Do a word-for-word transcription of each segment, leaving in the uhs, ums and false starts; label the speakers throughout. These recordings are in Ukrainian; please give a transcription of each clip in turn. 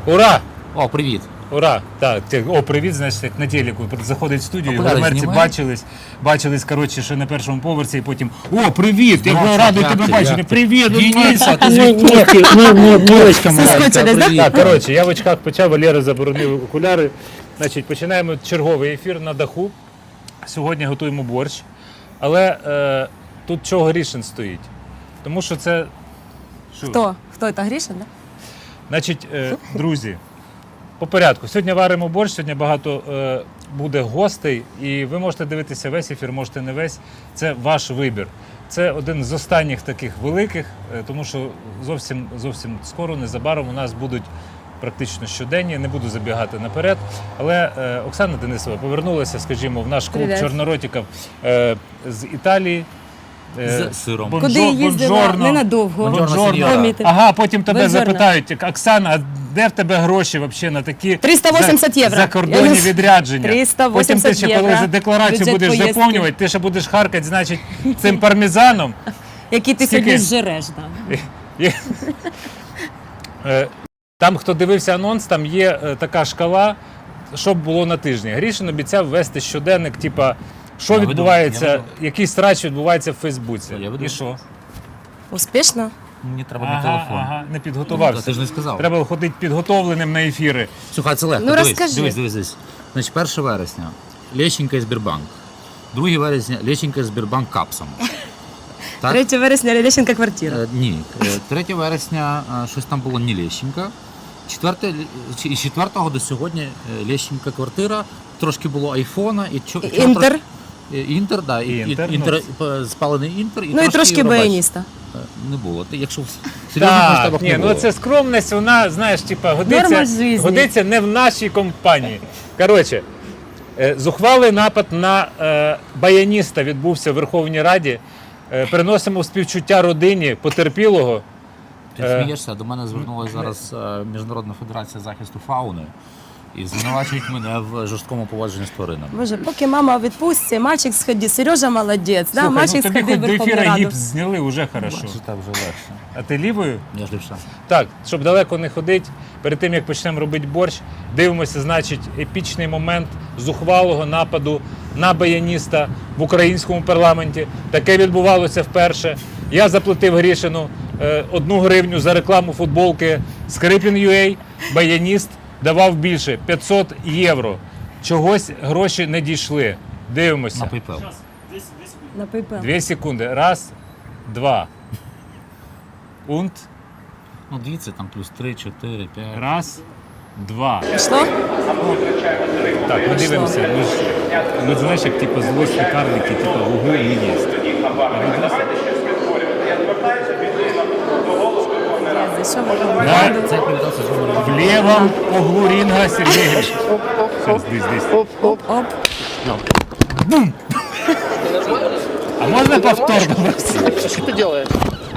Speaker 1: Ура!
Speaker 2: О, привіт.
Speaker 1: Ура! Так, о, привіт, значить, як на телеку. Заходить в студію, і в
Speaker 2: Окуляри
Speaker 1: гримерці
Speaker 2: знімай.
Speaker 1: бачились, бачились, коротше, ще на першому поверсі, і потім, о, привіт, я
Speaker 2: Здорово,
Speaker 1: був радий
Speaker 2: як
Speaker 1: тебе
Speaker 2: ти,
Speaker 1: бачити,
Speaker 2: як ти?
Speaker 1: привіт!
Speaker 2: Дениса, ти
Speaker 1: Ні,
Speaker 2: звідки?
Speaker 1: Милочка моя.
Speaker 3: Соскучились, да?
Speaker 1: Так, коротше, я в очках почав, Валера заборонив окуляри. Значить, починаємо черговий ефір на даху. Сьогодні готуємо борщ. Але е, тут чого Грішин стоїть? Тому що це... Що?
Speaker 3: Хто? Хто це, Грішин, да?
Speaker 1: Значить, е, друзі, по порядку. Сьогодні варимо борщ, сьогодні багато е, буде гостей, і ви можете дивитися весь ефір, можете не весь. Це ваш вибір. Це один з останніх таких великих, е, тому що зовсім, зовсім скоро, незабаром у нас будуть практично щоденні, не буду забігати наперед. Але е, Оксана Денисова повернулася, скажімо, в наш клуб
Speaker 3: Привіт.
Speaker 1: чорноротиків е, з Італії. Е,
Speaker 2: З сиром.
Speaker 1: бонжо-
Speaker 3: Куди їздила?
Speaker 1: бонжорно.
Speaker 3: Ненадовго.
Speaker 1: Бонжорно.
Speaker 2: сеньора.
Speaker 3: Помітив.
Speaker 1: Ага, потім тебе
Speaker 3: Бонжорно.
Speaker 1: запитають, Оксана, а де в тебе гроші вообще на такі
Speaker 3: триста вісімдесят
Speaker 1: за-
Speaker 3: євро.
Speaker 1: закордонні
Speaker 3: Я-
Speaker 1: відрядження?
Speaker 3: триста
Speaker 1: Потім ти
Speaker 3: вісімдесят
Speaker 1: ще коли
Speaker 3: євро.
Speaker 1: за декларацію
Speaker 3: Бюджет
Speaker 1: будеш
Speaker 3: поїздки.
Speaker 1: заповнювати, ти ще будеш харкати, значить, цим пармезаном.
Speaker 3: Який ти
Speaker 1: Скільки?
Speaker 3: сьогодні зжереш, да.
Speaker 1: І- Е, Там, хто дивився анонс, там є е, така шкала, що б було на тижні. Грішин обіцяв ввести щоденник, типа, що
Speaker 2: Я веду,
Speaker 1: відбувається,
Speaker 2: я веду.
Speaker 1: який срач відбувається в Фейсбуці.
Speaker 2: Я веду.
Speaker 1: І що?
Speaker 3: Успішно?
Speaker 2: Мені треба мій
Speaker 1: Ага,
Speaker 2: телефон.
Speaker 1: ага, не
Speaker 2: Та
Speaker 1: підготувався.
Speaker 2: ти ж не сказав.
Speaker 1: Треба ходити підготовленим на ефіри.
Speaker 2: Слухай, це легко.
Speaker 3: Ну,
Speaker 2: дивись,
Speaker 3: розкажи.
Speaker 2: дивись, дивись, дивись. Значить, перше вересня Лещенка і Сбербанк. друге вересня Лещенка і Сбербанк капсом. Так?
Speaker 3: третього вересня Лещенка квартира.
Speaker 2: Е, ні. Е, третє вересня е, щось там було не Лещенка. Четверте, чи- і четвертого до сьогодні е, Лещенка квартира. Трошки було айфона і чо,
Speaker 3: І
Speaker 2: вчора
Speaker 3: Інтер.
Speaker 2: трош- е, Інтер, да, і,
Speaker 1: І Інтер,
Speaker 2: і- інтер,
Speaker 1: ну.
Speaker 2: е, спалений Інтер і
Speaker 3: Ну і трошки
Speaker 2: Євробачення.
Speaker 3: баяніста.
Speaker 2: Е, Не було. Ти, якщо в серйозних
Speaker 1: Так,
Speaker 2: масштабах
Speaker 1: ні,
Speaker 2: не
Speaker 1: ну
Speaker 2: було.
Speaker 1: це скромність, вона, знаєш, типа, годиться,
Speaker 3: Норма жизни.
Speaker 1: годиться не в нашій компанії. Коротше, е, зухвалий напад на е, баяніста відбувся в Верховній Раді. Е, Приносимо співчуття родині потерпілого.
Speaker 2: Ти
Speaker 1: Е,
Speaker 2: смієшся, до мене звернулася зараз е, Міжнародна федерація захисту фауни і звинувачують мене в жорсткому поводженні з тваринами.
Speaker 3: Боже, поки мама у відпустці, мальчик сходив, Сережа молодець, да?
Speaker 1: Слухай, ну
Speaker 3: мальчик
Speaker 1: тобі
Speaker 3: сходив
Speaker 1: хоч
Speaker 3: в
Speaker 1: до
Speaker 3: Верховну
Speaker 1: ефіра
Speaker 3: Раду.
Speaker 1: гіпс зняли, вже хорошо.
Speaker 2: Бачиш, так вже легше.
Speaker 1: А ти лівою?
Speaker 2: Я ж лівша.
Speaker 1: Так, щоб далеко не ходити, перед тим як почнемо робити борщ, дивимося, значить, епічний момент зухвалого нападу на баяніста в українському парламенті. Таке відбувалося вперше. Я заплатив Грішину е, одну гривню за рекламу футболки Скрипін.ua. Баяніст давав більше п'ятсот євро. Чогось гроші не дійшли. Дивимося.
Speaker 2: На PayPal.
Speaker 3: На PayPal.
Speaker 1: Дві секунди. Раз, два. Унт.
Speaker 2: Ну, дивіться, там плюс три, чотири, п'ять.
Speaker 1: Раз, два.
Speaker 3: Що?
Speaker 1: Так, ми дивимося. Ми ж, ми знаєш, як типу, злосні карлики, типу, вугу і єсть.
Speaker 3: Я зайшов в Верховну
Speaker 1: Да.
Speaker 3: Раду.
Speaker 2: Це привітався з номером.
Speaker 1: В лівому углу рінга Сергій Гриш. Щас, десь, десь.
Speaker 3: Оп.
Speaker 1: А можна повторно просто?
Speaker 4: Что ты делаешь?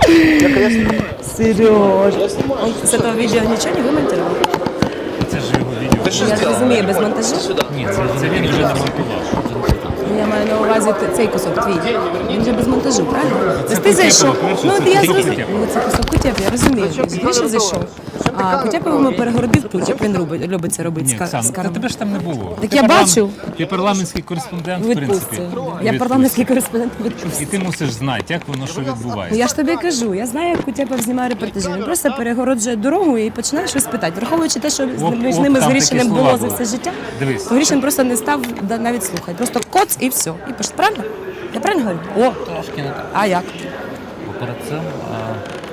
Speaker 3: Сереж. Он з цього відео нічого не вимонтував?
Speaker 1: Це ж його відео.
Speaker 4: Ты что
Speaker 3: Я ж
Speaker 4: сделал?
Speaker 3: розумію, без монтажу?
Speaker 2: Ні, це,
Speaker 1: Це він вже намонтував.
Speaker 3: Ну, я маю на увазі т- цей кусок твій. Він же без монтажу, правильно? Тобто ти
Speaker 1: Кутєпова,
Speaker 3: зайшов.
Speaker 1: перше,
Speaker 3: Ну,
Speaker 1: це
Speaker 3: от я
Speaker 1: кусок
Speaker 3: зрозумів.
Speaker 1: Кутєпова.
Speaker 3: Ну, це кусок Кутєпова, я розумію. Гріша зайшов. А Кутєповому перегородив путь, як він робить, любить це робити
Speaker 1: Ні,
Speaker 3: з ка-
Speaker 1: Оксана,
Speaker 3: з
Speaker 1: та
Speaker 3: карами.
Speaker 1: тебе ж там не було.
Speaker 3: Так
Speaker 1: Ти
Speaker 3: я
Speaker 1: парламент-
Speaker 3: бачу.
Speaker 1: Ти парламентський кореспондент,
Speaker 3: У
Speaker 1: в принципі.
Speaker 3: відпустці.
Speaker 1: У
Speaker 3: Я
Speaker 1: відпустці.
Speaker 3: парламентський кореспондент у
Speaker 1: І
Speaker 3: відпустці.
Speaker 1: ти мусиш знати, як воно що
Speaker 3: Ну,
Speaker 1: відбувається.
Speaker 3: я ж тобі кажу, я знаю, як Кутєпов знімає репортажі. Він просто перегороджує дорогу і починає щось питати. Враховуючи те, що з-
Speaker 1: Оп,
Speaker 3: між
Speaker 1: оп,
Speaker 3: ними з
Speaker 1: там такі
Speaker 3: Грішиним
Speaker 1: слова
Speaker 3: було за
Speaker 1: були.
Speaker 3: все життя,
Speaker 1: Дивись.
Speaker 3: то Грішин просто не став да- навіть слухати. Просто коц і все. І пиш, правильно? Я правильно говорю?
Speaker 2: О, трошки не так.
Speaker 3: А як?
Speaker 2: Бо перед цим... А...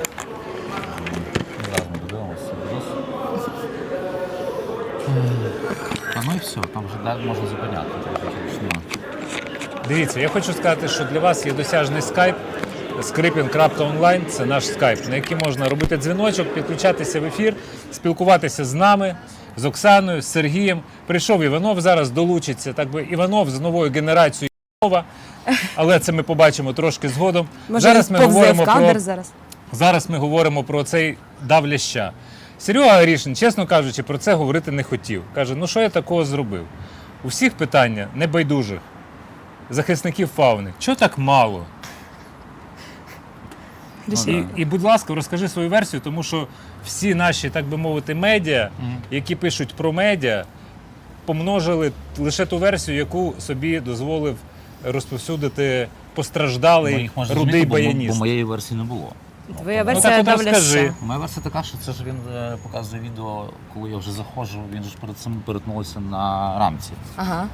Speaker 2: Зараз ми додивимося. А ну і все, там вже далі можна зупиняти. Ну.
Speaker 1: Дивіться, я хочу сказати, що для вас є досяжний скайп. скрипін крапка онлайн – це наш скайп, на який можна робити дзвіночок, підключатися в ефір, спілкуватися з нами, з Оксаною, з Сергієм. Прийшов Іванов, зараз долучиться. Так би Іванов з новою генерацією Іванова, але це ми побачимо трошки згодом.
Speaker 3: Може,
Speaker 1: зараз
Speaker 3: він
Speaker 1: ми
Speaker 3: повзе
Speaker 1: говоримо
Speaker 3: в кадр
Speaker 1: про
Speaker 3: зараз?
Speaker 1: зараз ми говоримо про цей дав ляща. Серега Грішин, чесно кажучи, про це говорити не хотів. Каже, ну що я такого зробив? У всіх питання небайдужих захисників фауни. Чого так мало?
Speaker 3: Рішив.
Speaker 1: І, і, будь ласка, розкажи свою версію, тому що всі наші, так би мовити, медіа,
Speaker 2: Мгм.
Speaker 1: які пишуть про медіа, помножили лише ту версію, яку собі дозволив розповсюдити
Speaker 2: Ну,
Speaker 1: постраждалий
Speaker 2: їх можна
Speaker 1: рудий
Speaker 2: зрозуміти, бо, бо
Speaker 1: баяніст.
Speaker 2: моєї версії не було.
Speaker 3: Твоя
Speaker 1: Ну,
Speaker 3: версія
Speaker 1: так, от розкажи.
Speaker 3: давляща.
Speaker 2: Моя версія така, що це ж він е, показує відео, коли я вже заходжу, він же ж перед цим перетнулися на рамці.
Speaker 3: Ага.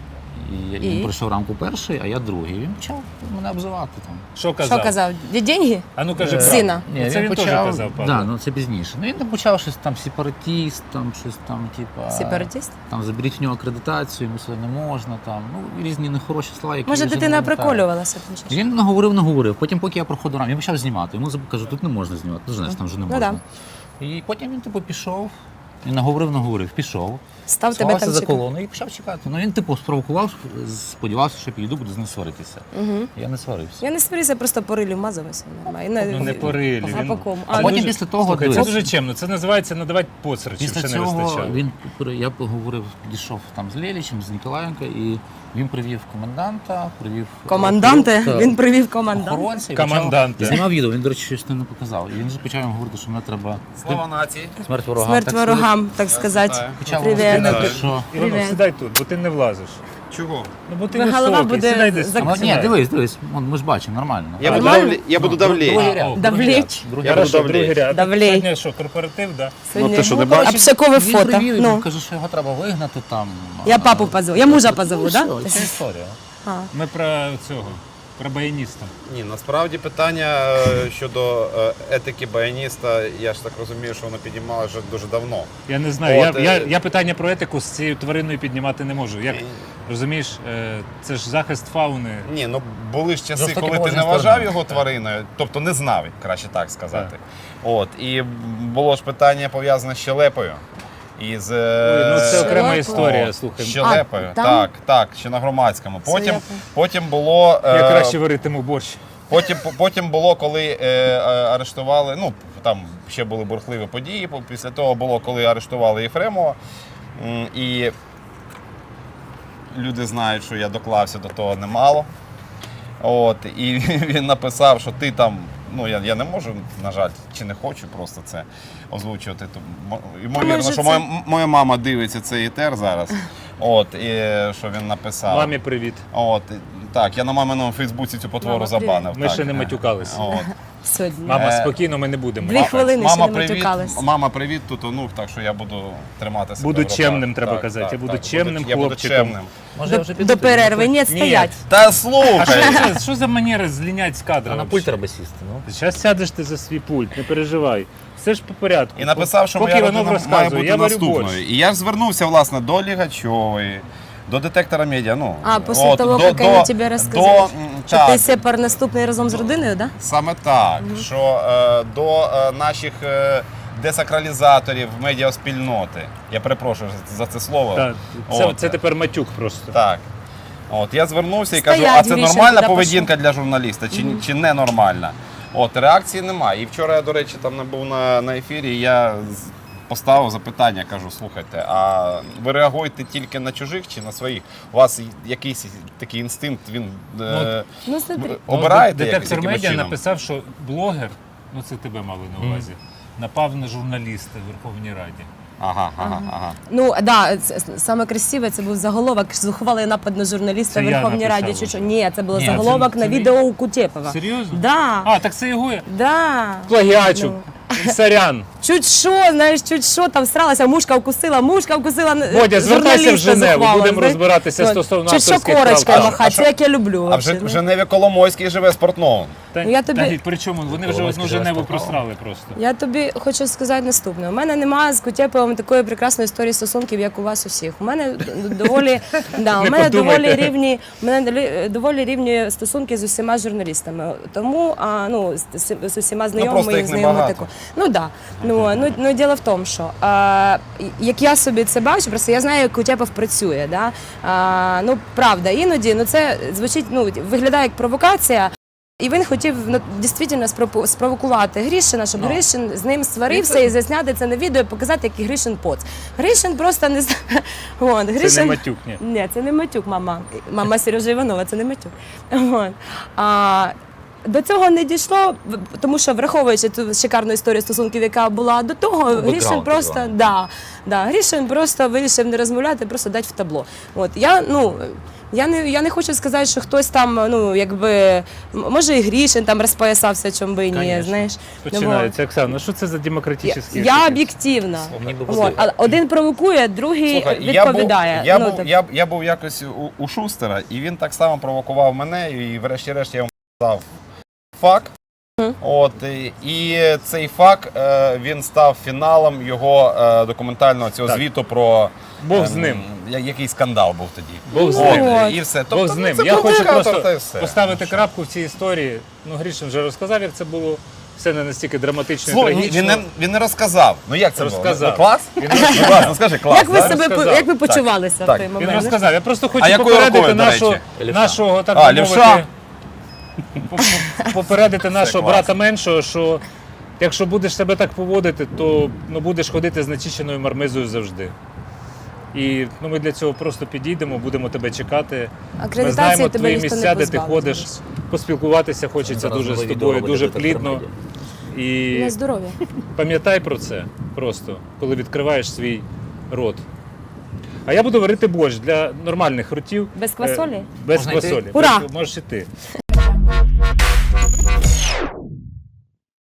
Speaker 2: І,
Speaker 3: І?
Speaker 2: він пройшов рамку перший, а я другий. І він почав мене обзивати там.
Speaker 1: Що казав?
Speaker 3: Що казав? Де деньги?
Speaker 1: А ну кажи
Speaker 2: Е,
Speaker 1: правду.
Speaker 3: Сина.
Speaker 1: Ну, це він теж казав, Павло.
Speaker 2: Да, ну це пізніше. Ну він там почав щось там сепаратіст, там щось там, типа.
Speaker 3: Сепаратист?
Speaker 2: Там заберіть в нього акредитацію, йому сюди не можна, там, ну різні нехороші слова, які
Speaker 3: Може,
Speaker 2: я вже
Speaker 3: дитина
Speaker 2: не пам'ятаю.
Speaker 3: приколювалася? там чи що?
Speaker 2: Він наговорив, наговорив. Потім, поки я проходив рамку, я почав знімати. Йому заб- кажу, тут не можна знімати. Ну, знаєш, там вже не
Speaker 3: Ну,
Speaker 2: можна. І потім він типу пішов. І наговорив, наговорив, пішов.
Speaker 3: Став тебе
Speaker 2: сховався
Speaker 3: там
Speaker 2: за
Speaker 3: чекати.
Speaker 2: колону і почав чекати. Ну він типу спровокував, сподівався, що я підійду, буду з ним сваритися.
Speaker 3: Угу.
Speaker 2: Я не сварився.
Speaker 3: Я не сварюся, просто по рилю вмазалася. нормально.
Speaker 1: Ну не по рилі.
Speaker 3: А
Speaker 1: він-
Speaker 3: по кому?
Speaker 2: А
Speaker 3: А,
Speaker 2: потім
Speaker 1: дуже-
Speaker 2: після того,
Speaker 1: Слухай, це
Speaker 2: дивись.
Speaker 1: дуже чемно. Це називається надавати поцерчів,
Speaker 2: Після
Speaker 1: ще не
Speaker 2: цього
Speaker 1: вистачало.
Speaker 2: він я поговорив, підійшов там з Лєлічем, з Ніколаєнко, і він привів коменданта, привів
Speaker 3: Команданте?
Speaker 2: Так.
Speaker 3: Він привів коменданта.
Speaker 2: охоронця і
Speaker 1: Команданте.
Speaker 2: почав- і знімав відео. Він, до речі, щось не показав. І він же почав йому говорити, що мене треба
Speaker 4: Слава нації!
Speaker 2: смерть ворогам.
Speaker 3: Смерть
Speaker 2: так
Speaker 3: ворогам, так сказати.
Speaker 4: вітаю.
Speaker 2: Почав
Speaker 3: Привіт.
Speaker 2: говорити, що
Speaker 1: Іванов,
Speaker 3: Привіт.
Speaker 1: сідай тут, бо ти не влазиш.
Speaker 4: Чого?
Speaker 1: Ну, бо ти
Speaker 3: Бо голова
Speaker 1: високий,
Speaker 3: буде
Speaker 1: сідай десь.
Speaker 3: за-
Speaker 1: там,
Speaker 2: А, ні,
Speaker 1: сідай.
Speaker 2: дивись, дивись, вон, ми ж бачимо, нормально.
Speaker 4: Я буду,
Speaker 3: Нормально?
Speaker 4: давле... я буду
Speaker 2: Ну,
Speaker 4: давлеть.
Speaker 2: другий
Speaker 1: А,
Speaker 2: ряд,
Speaker 1: о,
Speaker 2: другий
Speaker 3: Давлеть.
Speaker 2: ряд, другий
Speaker 4: Я
Speaker 2: ряд.
Speaker 4: буду
Speaker 1: Хорошо, другий
Speaker 4: давлеть.
Speaker 1: ряд.
Speaker 3: Давлеть.
Speaker 1: Сьогодні що, корпоратив, да?
Speaker 3: Сьогодні
Speaker 4: ти що, не бачиш?
Speaker 3: обшакове
Speaker 2: Він
Speaker 3: фото.
Speaker 2: привів,
Speaker 3: Ну,
Speaker 2: він каже, що його треба вигнати там.
Speaker 3: я
Speaker 2: а,
Speaker 3: папу позову, я мужа позову,
Speaker 2: ну,
Speaker 3: так?
Speaker 2: все, це історія.
Speaker 1: Ми про цього, про баяніста.
Speaker 4: Ні, насправді питання е, щодо е, етики баяніста, я ж так розумію, що воно підіймалося вже дуже давно.
Speaker 1: Я не знаю,
Speaker 4: От,
Speaker 1: я, я,
Speaker 4: е,
Speaker 1: я питання про етику з цією твариною піднімати не можу. Як, розумієш, е, це ж захист фауни.
Speaker 4: Ні, ну були ж часи,
Speaker 2: Жорстокі
Speaker 4: коли ти
Speaker 2: положення
Speaker 4: не вважав
Speaker 2: сторони.
Speaker 4: його твариною, тобто не знав, краще так сказати. От, і було ж питання пов'язане з щелепою. І з,
Speaker 1: Ой, ну це окрема
Speaker 3: Щелепою?
Speaker 1: історія,
Speaker 4: О,
Speaker 1: слухай.
Speaker 4: щелепою,
Speaker 3: А, там?
Speaker 4: так, так, ще на громадському. Потім,
Speaker 3: Щелепа.
Speaker 4: потім було.
Speaker 1: Я
Speaker 4: е,
Speaker 1: краще варитиму борщ.
Speaker 4: Потім, потім було, коли е, е, арештували, ну там ще були бурхливі події. Після того було, коли арештували Єфремова. М, І люди знають, що я доклався до того немало. От, і він написав, що ти там, ну я, я не можу, на жаль, чи не хочу просто це озвучувати. То, мо- ймовірно,
Speaker 3: може
Speaker 4: що
Speaker 3: це-
Speaker 4: моя, моя мама дивиться цей етер зараз. От, і що він написав.
Speaker 1: Мамі привіт.
Speaker 4: От, і- так, я на маминому Фейсбуці цю потвору
Speaker 3: Мама,
Speaker 4: забанив.
Speaker 1: Ми
Speaker 4: так.
Speaker 1: ще не матюкалися.
Speaker 4: От.
Speaker 3: Сьогодні.
Speaker 1: Мама,
Speaker 4: Е,
Speaker 1: спокійно, ми не будемо.
Speaker 3: Дві хвилини ще
Speaker 4: Мама,
Speaker 3: не
Speaker 4: привіт,
Speaker 3: матюкались.
Speaker 4: мама, привіт, тут онук, так що я буду тримати себе
Speaker 1: Буду
Speaker 4: в руках.
Speaker 1: чемним, треба
Speaker 4: Так,
Speaker 1: казати.
Speaker 4: так,
Speaker 1: Я буду
Speaker 4: так,
Speaker 1: чемним
Speaker 4: я буду
Speaker 1: хлопчиком.
Speaker 4: чемним.
Speaker 2: Може, я
Speaker 3: До,
Speaker 2: вже піду
Speaker 3: до
Speaker 2: тоді?
Speaker 3: перерви, ні,
Speaker 1: Ні.
Speaker 3: стоять.
Speaker 4: Та
Speaker 1: А
Speaker 4: слухай!
Speaker 1: що, це, що за манера злінять з кадра?
Speaker 2: А на
Speaker 1: вообще?
Speaker 2: пульт треба сісти, ну.
Speaker 1: Зараз сядеш ти за свій пульт, не переживай. Все ж по порядку.
Speaker 4: І написав, що
Speaker 1: Поки
Speaker 4: моя
Speaker 1: Іванов
Speaker 4: родина має
Speaker 1: розказує,
Speaker 4: бути
Speaker 1: я варю
Speaker 4: наступною.
Speaker 1: борщ.
Speaker 4: І я ж звернувся, власне, до Лігачової, до детектора медіа. Ну,
Speaker 3: А, після того,
Speaker 4: до,
Speaker 3: як
Speaker 4: до,
Speaker 3: вони тобі розказали,
Speaker 4: до, м,
Speaker 3: Що
Speaker 4: так,
Speaker 3: ти сепар наступний разом з родиною, так?
Speaker 4: Саме так, що е, до е, наших е, десакралізаторів медіаспільноти. Я перепрошую за, за це слово.
Speaker 1: Так, це,
Speaker 4: От.
Speaker 1: це тепер матюк просто.
Speaker 4: Так. От, я звернувся і
Speaker 3: Стоять,
Speaker 4: кажу, а це
Speaker 3: Гріша,
Speaker 4: нормальна
Speaker 3: куди
Speaker 4: поведінка для журналіста чи, чи не нормальна? От, реакції немає. І вчора я, до речі, там не був на, на ефірі, і я з- поставив запитання, кажу, слухайте, а ви реагуєте тільки на чужих чи на своїх? У вас якийсь такий інстинкт, він е,
Speaker 3: Ну, смотри.
Speaker 4: ви обираєте
Speaker 1: Ну,
Speaker 4: як-
Speaker 1: детектор
Speaker 4: якимось
Speaker 1: медіа
Speaker 4: чином?
Speaker 1: написав, що блогер, ну це тебе мали на увазі, напав на журналіста в Верховній Раді.
Speaker 4: Ага, ага, ага.
Speaker 3: Ну да, це- саме красиве це був заголовок «Зухвалий напад на журналіста
Speaker 1: Це
Speaker 3: в
Speaker 1: я
Speaker 3: Верховній
Speaker 1: написав
Speaker 3: Раді». Чи
Speaker 1: вже.
Speaker 3: що? Ні, це було
Speaker 1: Ні,
Speaker 3: заголовок
Speaker 1: це-
Speaker 3: на
Speaker 1: це
Speaker 3: відео у Кутєпова.
Speaker 1: Серйозно?
Speaker 3: Да.
Speaker 1: А, так це його
Speaker 3: Да.
Speaker 1: плагіачу. Сорян.
Speaker 3: Чуть що, знаєш, чуть що, там всралася, мушка вкусила, мушка вкусила е,
Speaker 1: Бодя, звертайся в
Speaker 3: журналіста
Speaker 1: Женеву,
Speaker 3: зухвала,
Speaker 1: будемо
Speaker 3: знаєш.
Speaker 1: розбиратися
Speaker 3: Ну,
Speaker 1: стосовно
Speaker 3: чуть що
Speaker 1: авторських
Speaker 3: корочкою
Speaker 1: прав.
Speaker 3: махати, це як я люблю.
Speaker 4: А в
Speaker 3: вообще,
Speaker 4: Жен- в
Speaker 3: ну.
Speaker 4: Женеві Коломойський живе спортновим.
Speaker 1: Та,
Speaker 3: Ну, я тобі-
Speaker 1: та, при чому? Вони вже
Speaker 2: Коломойський
Speaker 1: одну
Speaker 2: живе
Speaker 1: Женеву
Speaker 2: спортивно.
Speaker 1: просрали просто.
Speaker 3: Я тобі хочу сказати наступне. У мене немає з Кутєповим такої прекрасної історії стосунків, як у вас усіх. У мене д- доволі, да, у
Speaker 1: Не
Speaker 3: мене
Speaker 1: подумайте.
Speaker 3: доволі рівні, у мене долі- доволі рівні стосунки з усіма журналістами. Тому а, ну, з, з- з усіма знайомими
Speaker 4: просто
Speaker 3: і
Speaker 4: їх
Speaker 3: знайомими
Speaker 4: небагато.
Speaker 3: тако. Ну да. Ну, ну, ну діло в тому, що а, як я собі це бачу, просто я знаю, як Кутєпов працює. Да? А, ну правда, іноді ну це звучить, ну виглядає як провокація. І він хотів ну, дійсно спропо- спровокувати Грішина, щоб
Speaker 1: Ну.
Speaker 3: Гришин з ним сварився і засняти це на відео і показати, який Гришин поц. Гришин просто не знає. Вон,
Speaker 1: Це
Speaker 3: Гришин...
Speaker 1: не матюк, ні.
Speaker 3: Ні, це не матюк, мама. Мама Сережа Іванова, це не матюк. Вон. А, до цього не дійшло, в- тому що враховуючи ту шикарну історію стосунків, яка була до того, Грішин
Speaker 2: бекграунд
Speaker 3: просто
Speaker 2: такий.
Speaker 3: да, да, Грішин просто вирішив не розмовляти, просто дати в табло. От я ну. Я не, я не хочу сказати, що хтось там, ну, якби, м- може і Грішин там розпоясався, чому би і ні,
Speaker 1: Конечно.
Speaker 3: знаєш.
Speaker 1: Починається. Оксана, ну що це за
Speaker 3: Я,
Speaker 1: демократичний
Speaker 3: я об'єктивна.
Speaker 2: Мені би
Speaker 3: От, а один провокує, другий
Speaker 4: Слухай, я був,
Speaker 3: відповідає.
Speaker 4: я,
Speaker 3: Ну,
Speaker 4: був,
Speaker 3: так.
Speaker 4: я, я був якось у, у Шустера, і він так само провокував мене, і врешті-решт я йому дав фак. От, і, і цей фак, е, він став фіналом його е, документального цього
Speaker 1: Так.
Speaker 4: звіту про
Speaker 1: Бог з
Speaker 4: ем,
Speaker 1: ним.
Speaker 4: я- який скандал був тоді.
Speaker 1: Бог з
Speaker 4: От,
Speaker 1: ним.
Speaker 3: От.
Speaker 4: і все.
Speaker 1: Бог з
Speaker 4: ну,
Speaker 1: ним.
Speaker 4: це
Speaker 1: Я хочу
Speaker 4: провокатор, та й
Speaker 1: просто
Speaker 4: все.
Speaker 1: поставити крапку в цій історії. Ну, Грішин вже розказав, як це було. Все не настільки драматично і
Speaker 4: Слухай,
Speaker 1: трагічно.
Speaker 4: він не, він не розказав. Ну як це
Speaker 1: Розказав.
Speaker 4: було? Ну, клас?
Speaker 1: Він
Speaker 4: Ну, клас, ну скажи, клас.
Speaker 3: Як ви
Speaker 4: да?
Speaker 3: себе
Speaker 1: розказав.
Speaker 3: як ви почувалися
Speaker 4: Так.
Speaker 3: в той
Speaker 1: Він
Speaker 3: момент?
Speaker 1: розказав. Я просто хочу
Speaker 4: А якою
Speaker 1: попередити
Speaker 4: рукою, до
Speaker 1: нашу,
Speaker 4: речі?
Speaker 2: Лівша.
Speaker 1: нашого, так
Speaker 4: А,
Speaker 1: би
Speaker 4: лівша.
Speaker 1: мовити, по- по- попередити нашого
Speaker 4: клас.
Speaker 1: брата меншого, що якщо будеш себе так поводити, то ну, будеш ходити з начищеною мармизою завжди. І ну, ми для цього просто підійдемо, будемо тебе чекати. Ми
Speaker 3: Акредитації
Speaker 1: знаємо
Speaker 3: тебе
Speaker 1: твої
Speaker 3: ніхто не
Speaker 1: місця, де ти
Speaker 3: позбавить,
Speaker 1: ходиш,
Speaker 3: Гріш.
Speaker 1: поспілкуватися хочеться
Speaker 2: Зараз
Speaker 1: дуже з
Speaker 2: нове
Speaker 1: тобою,
Speaker 2: відео
Speaker 1: дуже
Speaker 2: буде
Speaker 1: плідно.
Speaker 2: «Електромедіа».
Speaker 1: І
Speaker 3: На здоров'я.
Speaker 1: пам'ятай про це просто, коли відкриваєш свій рот. А я буду варити борщ для нормальних ротів.
Speaker 3: Без квасолі?
Speaker 1: Е, Без
Speaker 2: Можна йти?
Speaker 1: квасолі.
Speaker 3: Ура!
Speaker 1: Без- Можеш іти.